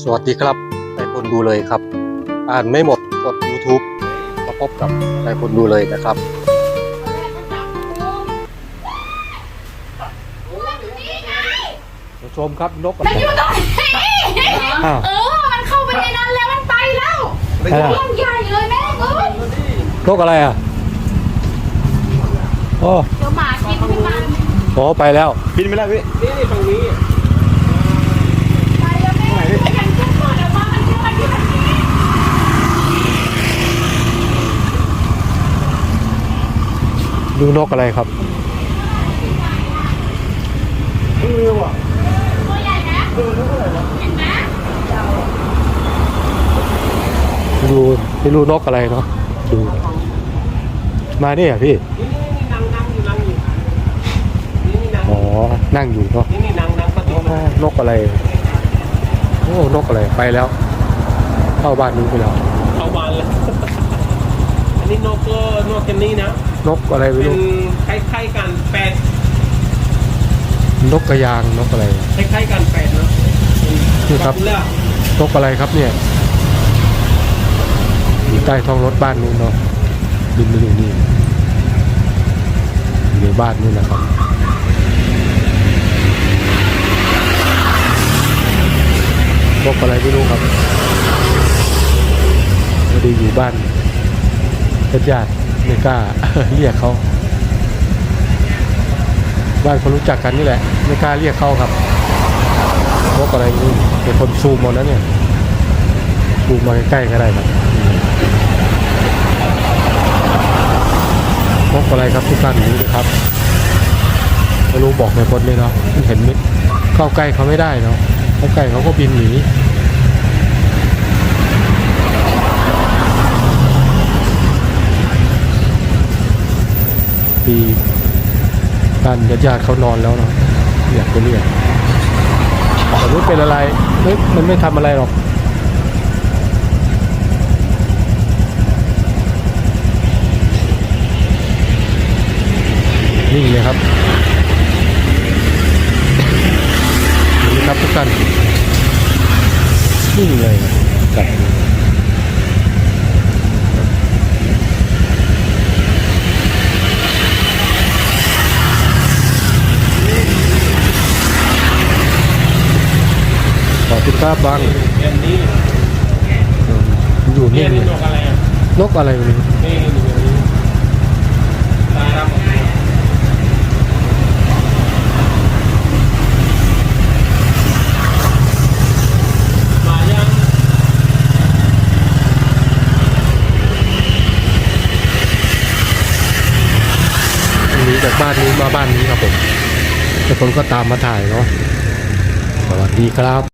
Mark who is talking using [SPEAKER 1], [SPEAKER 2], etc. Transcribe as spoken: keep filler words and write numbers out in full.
[SPEAKER 1] สวัสดีครับนายพลดูเลยครับอ่านไม่หมดกด YouTube มาพบกับนายพลดูเลยนะครับชมครับนกอะไร
[SPEAKER 2] มันอยู่ตรงนี้เออมันเข้าไปในนั้นแล้วมันไปแล้วเรื่องใหญ่เลยแม่เอ้ย
[SPEAKER 1] นกอะไรอ่ะโอ้
[SPEAKER 2] เดี๋ยวหมากินขึ้นมา
[SPEAKER 1] โหไปแล้ว
[SPEAKER 3] บินไปแล้วพี่นี่ตรงนี้
[SPEAKER 2] ไปแล้วแม่ยังจะเปิดออกมามันจะมาที่แบบนี้
[SPEAKER 1] ดูนกอะไรครับ
[SPEAKER 2] ตัวใหญ่นะเห็นไหม
[SPEAKER 1] ดูไม่รู้นกอะไรเนาะดูมาเนี่ยพี่
[SPEAKER 3] นี่นี่นั่งนั่งอยู่นั่งอยู่นี่นี่นั่ง
[SPEAKER 1] อ๋อนั่งอยู่เนาะ
[SPEAKER 3] นี่นี่นั่งนั่งประตู
[SPEAKER 1] นกอะไรโอ้นกอะไรไปแล้วเข้าบ้านนู้นไปแล้ว
[SPEAKER 3] เข้าบ้านแล้วอันนี้นกก็นกกันนี่นะ
[SPEAKER 1] นกอะไรไม่
[SPEAKER 3] เป็น
[SPEAKER 1] รู้
[SPEAKER 3] คล้ายๆกันแปด
[SPEAKER 1] นกกระยางนกอะไร
[SPEAKER 3] คล้ายๆกันแปดเนาะ
[SPEAKER 1] นี่ครับ
[SPEAKER 3] แล้ว
[SPEAKER 1] นกอะไรครับเนี่ยอยู่ใต้ท้องรถบ้านนู้นเนาะบินมาอยู่นี่อยู่ในบ้านนู้นนะครับนกอะไรไม่รู้ครับไม่ได้อยู่บ้านญาติๆไม่กล้า เรียกเขาบ้านคนรู้จักกันนี่แหละไม่กล้าเรียกเขาครับนกอะไรนี่เป็นคนซูมหมดแล้วเนี่ยซูมมาใกล้ๆก็ได้ครับนกอะไรครับทุกท่านดูนะครับไม่รู้บอกในคนเลยเนาะเห็นมิดเข้าใกล้เขาไม่ได้เนาะเข้าใกล้เขาก็บินหนีปีบ้านญาติๆเขานอนแล้วเนาะอยากจะเรียกแต่ไม่เป็นอะไรไม่มันไม่ทำอะไรหรอกนิ่งเลยครับนี่ครับทุกท่านนิ่งเลยกับขอบคุณครับบัง
[SPEAKER 3] เดือนนี้
[SPEAKER 1] อยู่
[SPEAKER 3] เนี่
[SPEAKER 1] นิ่
[SPEAKER 3] ย
[SPEAKER 1] ง
[SPEAKER 3] นี่
[SPEAKER 1] เลย
[SPEAKER 3] นกอะไรอ่ะ
[SPEAKER 1] นกอะไรไม่รู้
[SPEAKER 3] นี่นี่นี่ตาดำออกมามายัง
[SPEAKER 1] หนีจากบ้านนี้มาบ้านนี้ครับผมแต่คนก็ตามมาถ่ายเนาะสวัสดีครับ